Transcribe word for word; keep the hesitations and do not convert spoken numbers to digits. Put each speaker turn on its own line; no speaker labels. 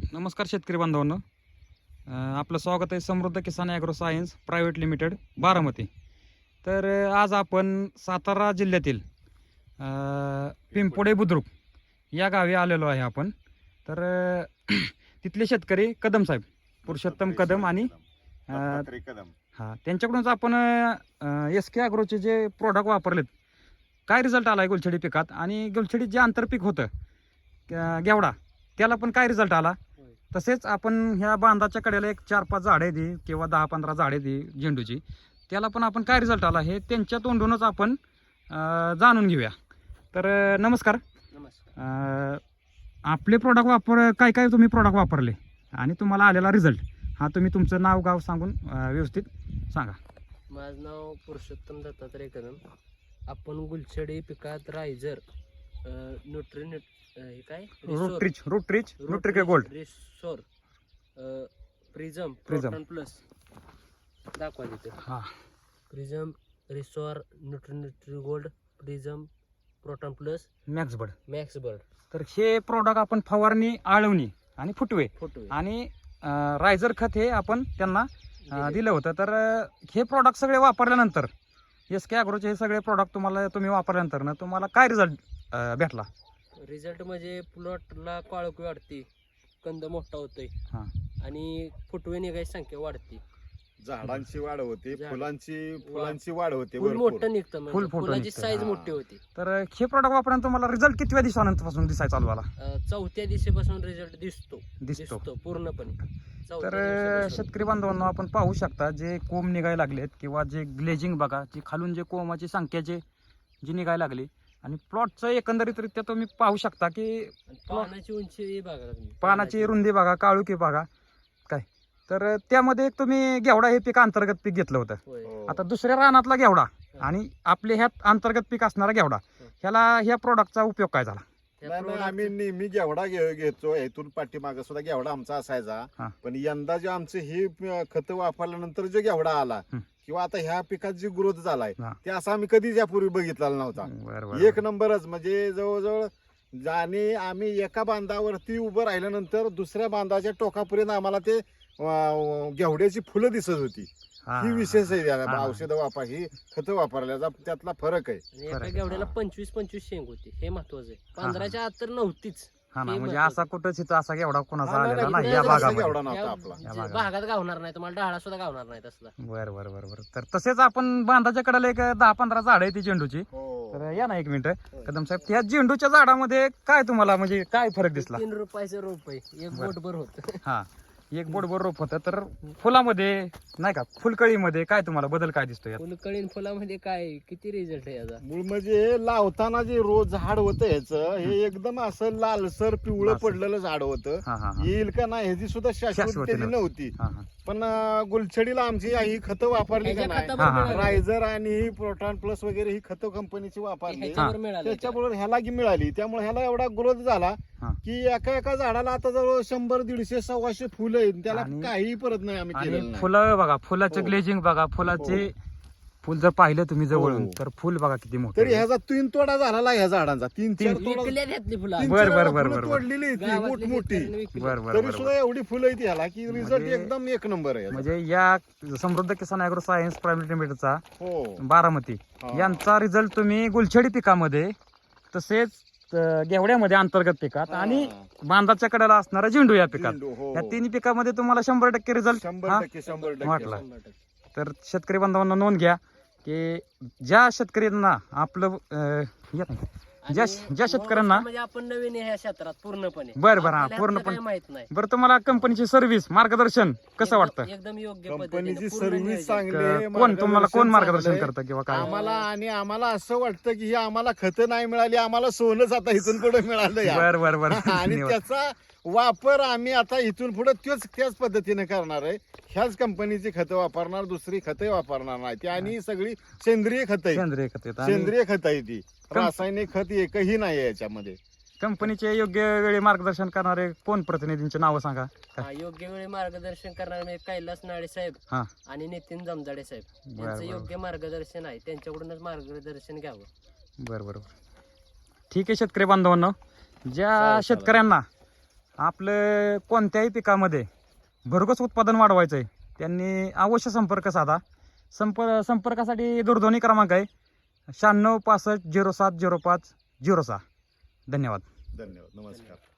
नमस्कार शेतकरी बांधवांनो, आपलं स्वागत आहे Samruddh Kisan agro science private limited Baramati. तर आज आपण सातारा जिल्ह्यातील पिंपोडे बुद्रुक या गावी आलेलो आहे आपण. तर तिथले शेतकरी कदम साहेब, पुरुषोत्तम कदम आणि हां त्यांच्याकडूनच आपण एस के ॲग्रोचे जे प्रोडक्ट वापरलेत, काय रिझल्ट आला आहे गुलछडी पिकात आणि गुलछडीत जे आंतरपीक होतं गेवडा त्याला पण काय रिझल्ट आला. तसेच आपण ह्या बांधाच्या कडेला एक चार पाच झाडे दी किंवा दहा पंधरा झाडे दी झेंडूची, त्याला पण आपण काय रिझल्ट आला हे त्यांच्या तोंडूनच आपण जाणून घेऊया. तर नमस्कार.
नमस्कार.
आपले प्रोडक्ट वापर काय काय तुम्ही प्रोडक्ट वापरले आणि तुम्हाला आलेला रिझल्ट हा तुम्ही तुमचं नाव गाव सांगून व्यवस्थित सांगा.
माझं नाव पुरुषोत्तम दत्तात्रय कदम. आपण गुलछडी पिकात रायझर न्यूट्री हे काय
रूटरीच रूटरीच न्यूट्रिके गोल्ड
रिसोर प्रिझम
प्रिझम
प्रोटॉन प्लस दाखवा तिथे.
हां
प्रिझम रिसोर nutri nutri gold prism proton plus
max bird
max bird.
तर हे प्रोडक्ट आपण फवारणी, आळवणी आणि फुटवे
फोटो
आणि रायझर खत हे आपण त्यांना दिलं होतं. तर हे प्रोडक्ट सगळे वापरल्यानंतर एस के ॲग्रोचे हे सगळे प्रोडक्ट तुम्हाला तुम्ही वापरल्यानंतर ना तुम्हाला काय रिझल्ट भेटला.
रिझल्ट म्हणजे प्लॉटला काळोखी वाढते, कंद मोठा होतोय
हां
आणि फुटवे निघायची संख्या वाढते,
झाडांची वाढ होते,
झाड-
फुलांची फुलांची वाढ होते,
फुल
भरपूर.
मोठं निघतं,
फुल
म्हणजे
फोटो
फुलाची
निघतं.
साईज
हा.
मोठी होती.
तर हे प्रोडक्ट वापरल्यानंतर तुम्हाला रिझल्ट कितव्या दिवसानंतरपासून दिसायला चालू झाला.
अं, चौथ्या दिवशीपासून रिझल्ट दिसतो
दिसतो.
दिसतो पूर्णपणे. चौथ्या
तर
दिवशीपासून.
शेतकरी बांधवांनो, आपण पाहू शकता जे कोंब निघायला लागलेत किंवा जे ग्लेजिंग बघा, जी खालून जे कोंबाची संख्या जे जी निघायला लागली आणि प्लॉटचं एकंदरीतरित्या तुम्ही पाहू शकता की
आणि पानाची उंची बघा तुम्ही.
पानाची रुंदी बघा, काळुकी बघा काय. तर त्यामध्ये एक तुम्ही घेवडा हे पीक अंतर्गत पीक घेतलं होतं.
होय.
हो.
आता दुसऱ्या रानातला घेवडा आणि आपले ह्यात अंतर्गत पीक असणारा घेवडा, ह्याला ह्या प्रोडक्टचा उपयोग काय झाला.
त्या
नाही, नाही,
product
आम्ही
चं-
नेहमी घेवडा घे- घेतो, इथून पाठीमागे सुद्धा घेवडा आमचा
हा.
असायचा. पण यंदा जे आमचे ही खत वापरल्यानंतर जो घेवडा आला
हं.
किंवा आता ह्या पिकात जी ग्रोथ झालाय
हा.
ते असं आम्ही कधीच यापूर्वी बघितलेला नव्हता.
बरं, बरं,
एक
बरं.
नंबरच, म्हणजे जवळजवळ जाणे आम्ही एका बांधावरती उभं राहिल्यानंतर दुसऱ्या बांधाच्या टोकापर्यंत आम्हाला ते अं, घेवड्याची फुलं दिसत होती.
हा,
ही विशेष आहे
हा, हा.
औषध वापर, ही खत वापरल्याचा त्यातला फरक आहे.
आणि एका
फरक.
घेवड्याला
हा.
पंचवीस पंचवीस शेंग होती, हे महत्वाचं आहे.
हा.
पंधराच्या आत तर नव्हतीच.
हा ना,
हे
म्हणजे
महत्वाचं.
असा कुठंच इथं असा घेवडा कोणाचा
हा, नाही,
आलेला
नाही,
नाही
इकडे
या
असा
भागामध्ये.
घेवडा नव्हता
या
आपला.
या
जे
भागात.
भागात गावणार नाही, तुम्हाला डाळा सुद्धा गावणार नाही तसला.
बरं बरं बरं बरं. तर तसेच आपण बांधाच्या कडेला एक दहा पंधरा झाड आहे ती झेंडूची.
हो.
तर या ना एक मिनिट कदम साहेब, त्या झेंडूच्या झाडामध्ये काय तुम्हाला म्हणजे काय फरक दिसला.
तीन रुपयाचं रोप आहे, एक
बरं.
बोटभर होत.
हा, एक बोटभर रोप होतं. तर फुलामध्ये नाही का, फुलकळीमध्ये काय तुम्हाला बदल काय दिसतो यात.
फुलकळीन फुलामध्ये काय किती रिझल्ट आहे याचा.
मूळ म्हणजे लावताना जे रोज झाड होतं ह्याचं, हे एकदम असं लालसर पिवळं
लालसर.
पडलेलं झाड होतं.
हा हा हा
येईल का नाही ह्याची सुद्धा शाश्वत
शाश्वती
त्याची नव्हती.
हा हा
पण अं, गुलछडीला आमची ही खतं वापरली का
ह्याच्या
नाही,
खतावर
हा, हा.
मिळालं.
रायझर आणि ही प्रोटॉन प्लस वगैरे ही खतं कंपनीची वापरली,
ह्याच्यावर मिळालं.
त्याच्याबरोबर ह्याला की मिळाली. त्यामुळे ह्याला एवढा ग्रोथ झाला
हा.
की एका एका झाडाला आता जवळ शंभर दीडशे सव्वाशे फुलं आहेत. त्याला
आणि-
काही परत नाही आम्ही केलेलं
आणि
नाही.
फुलं बघा, फुलाचं
हो.
ग्लेजिंग बघा, फुलाचे फुल जर पाहिलं तुम्ही जवळून
हो.
तर फुल बघा किती मोठं
तरी
आहे.
ह्याचा तीन तोडा झालेला ह्या झाडांचा, तीन चार
तीन-
तोडा,
विकल्या घेतली फुलं.
तीन
बर,
चार
बर,
वेळा
बर,
फुलं
बर, बर.
तोडलेली आहेत ती
गावातल्या
मोठमोठी.
शेतकऱ्यांनी विकली.
बर बर
तरी
बर
सुद्धा एवढी फुलं आहेत ह्याला की रिझल्ट
म्हणजे-
एकदम एक नंबर आहे.
म्हणजे या Samruddh Kisan agro science private लिमिटेडचा
हो.
बारामती
हा.
यांचा रिझल्ट तुम्ही गुलछडी पिकामध्ये, तसेच अं, घेवड्यामध्ये अंतर्गत पिकात
हा.
आणि बांधाच्या कडेला असणारा झेंडू या पिकात,
झेंडू, हो.
या तिन्ही पिकामध्ये तुम्हाला शंभर टक्के रिझल्ट.
शंभर टक्के शंभर
वाटला.
टक्के
शंभर टक्के.
तर शेतकरी बांधवांना नोंद घ्या की ज्या शेतकऱ्यांना आपलं अं, या नाही, ज्या
आणि
ज्या शेतकऱ्यांना
म्हणजे आपण नवीन आहे ह्या क्षेत्रात पूर्णपणे.
बरं, बरं, हा,
आपल्याला
पूर्णपणे.
काही माहित नाही.
बरं, तुम्हाला कंपनीची सर्व्हिस मार्गदर्शन कसं
एकदम-
वाटतं.
एकदम योग्य
कंपनीची
पद्धतीने, पूर्ण
सर्व्हिस
नियोजन.
चांगली आहे,
कोण तुम्हाला कोण मार्गदर्शन
चांगलं आहे.
करतं किंवा काय.
आम्हाला आणि आम्हाला असं वाटतं की ही आम्हाला खतं नाही मिळाली, आम्हाला सोनच आता इथून पुढे मिळालं या.
बर बर बर
आणि
धन्यवाद.
त्याचा वापर आम्ही आता इथून पुढे त्योच त्याच पद्धतीने करणार आहे. ह्याच कंपनीची खतं वापरणार, दुसरी खतं वापरणार नाही ती, आणि सगळी सेंद्रिय खतं आहेत.
सेंद्रिय खत आहेत आणि
सेंद्रिय खत आहे ती, रासायनिक खत एकही नाही आहे याच्यामध्ये.
कंपनीचे योग्य वेळी मार्गदर्शन करणारे कोण प्रतिनिधींची नावं सांगा.
हा, योग्य वेळी मार्गदर्शन करणारे म्हणजे कैलास नाळे साहेब
हा.
आणि नितीन जमजाडे साहेब
बर,
यांचं
बर.
योग्य मार्गदर्शन आहे, त्यांच्याकडूनच मार्गदर्शन घ्यावं.
बरं बरं बरं. ठीक आहे शेतकरी बांधवांनो, ज्या
चालेल, चालेल.
शेतकऱ्यांना आपलं कोणत्याही पिकामध्ये भरघोस उत्पादन वाढवायचं आहे त्यांनी अवश्य संपर्क साधा. संपर्क संपर्कासाठी दूरध्वनी क्रमांक आहे शहाण्णव पासष्ट झिरो सात झिरो पाच झिरो सहा. धन्यवाद.
धन्यवाद. नमस्कार.